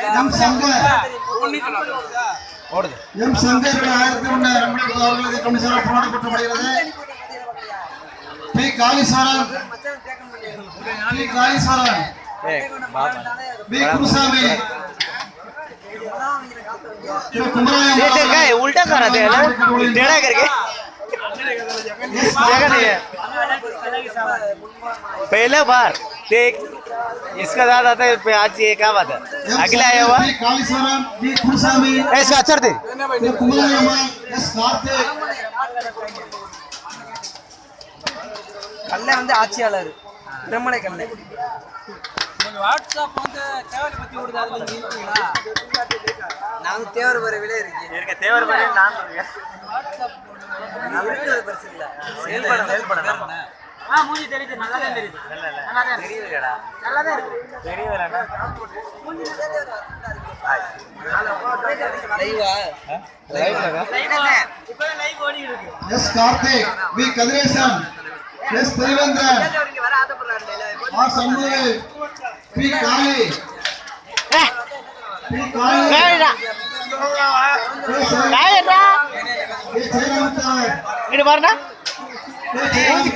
M Shankar M Shankar 1100 அவர்களுக்கு commissioner போராடப்பட்டப்படுகிறது. P Kaliswaran P Gurusamy उल्टा करा दे टेढ़ा करके देखा नहीं है पहले बार देख इसका दादा आता है आज ये क्या बात है अगला आया हुआ इसका अच्छा थे கல்லை வந்து ஆட்சியாளர் பிரம்மலை கல்லை வாட்ஸ்அப் வந்து தேவரை பத்தி ஓடுது அதுல இருக்கீங்களா நான் தேவர் வர விலை இருக்கு தேவர் வரை நான் வாட்ஸ்அப் நமக்கு பெருசு இல்ல செயல்பட மூஞ்சி தெரியுது நல்லா தான் தெரியுது நல்லா தான் தெரியுதுடா நல்லா தான் இருக்கு தெரியுதுடா மூஞ்சி நல்லா இருக்கு லைவா இப்போ லைவ் ஓடி இருக்கு S Karthik V Kathiresan S Devendran இங்க வர ஆதப்படுறாங்க ஆர் சண்முகி பி காளி காளிடா காளிடா ஏ ஜெயராமன் இங்க பாருடா